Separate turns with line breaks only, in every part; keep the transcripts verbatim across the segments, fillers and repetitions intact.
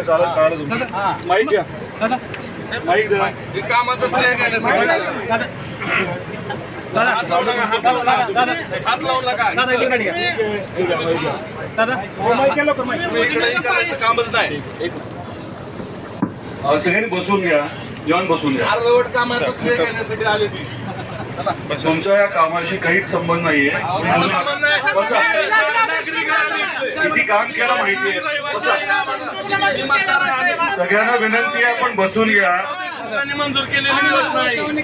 आहे चालत काढा तुमचं माईक घ्या माईक द्या हे कामाचं श्रेय घेण्यासाठी हात लावू नका हात लावू नका हात लावू नका तुम्ही इकडे करायचं कामच नाही
सगळ्यांनी बसून घ्या जेवण बसून घ्या
अर्धवट कामाचं श्रेय घेण्यासाठी आले ती
तुमच्या या कामाशी काहीच संबंध नाहीये किती काम केलं माहितीये सगळ्यांना विनंती आहे आपण बसून घ्या
मंजूर केलेली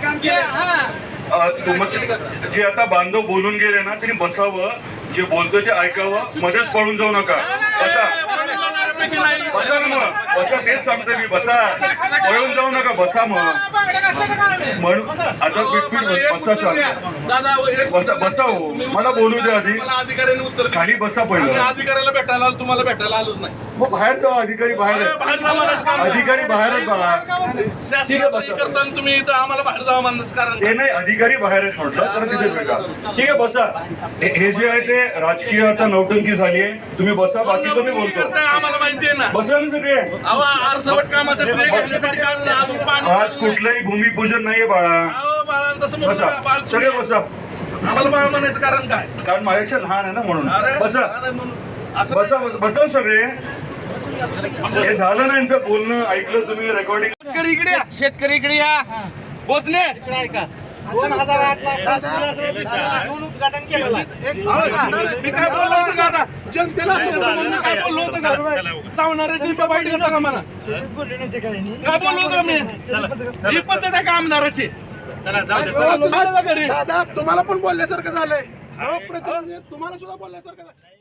जे आता बांधव बोलून गेले ना त्यांनी बसावं जे बोलतो ते ऐकावं मध्येच पळून जाऊ नका बसा बसा ना मग बसा तेच सांगतो मी बसा पळून जाऊ नका बसा मग म्हणून आता पीठपीठ बसा सांग बसा बसा हो मला बोलू द्या आधी
अधिकाऱ्याने उत्तर
खाली बसा पहिलं
अधिकाऱ्याला भेटायला आलो तुम्हाला भेटायला आलोच नाही
मग बाहेर जाऊ अधिकारी बाहेर अधिकारी बाहेरच बघा
करताना तुम्ही इथं आम्हाला बाहेर जावं म्हणणंच कारण
ते नाही अधिकारी बाहेरच म्हटलं तर तिथे भेटा ठीक आहे बसा हे जे आहे ते राजकीय आता नौटंकी झाली आहे तुम्ही बसा बाकीचं मी बोलतो
आम्हाला माहिती आहे ना
बसा ना सगळे
अर्धवट कामाचं श्रेय घेण्यासाठी अजून पाणी
आज कुठलंही भूमिपूजन नाहीये बाळा
बाळा तसं
बसा सगळे बसा
आम्हाला बाळ म्हणायचं कारण काय
कारण माझ्यापेक्षा लहान आहे ना म्हणून बसा बसा बसा सगळे हे झालं ना यांचं बोलणं ऐकलं तुम्ही रेकॉर्डिंग
शेतकरी इकडे या शेतकरी इकडे या भोसले ऐका दोन हजार आठ ला उद्घाटन केलेलं मी काय बोललो होतं का आता जनतेला मी काय बोललो होतं का चावणाऱ्याची वाईट घेता का मला काय बोललो होतं मी ही पद्धत आहे का आमदाराची दादा तुम्हाला पण बोलल्यासारखं झालंय तुम्हाला सुद्धा बोलल्यासारखं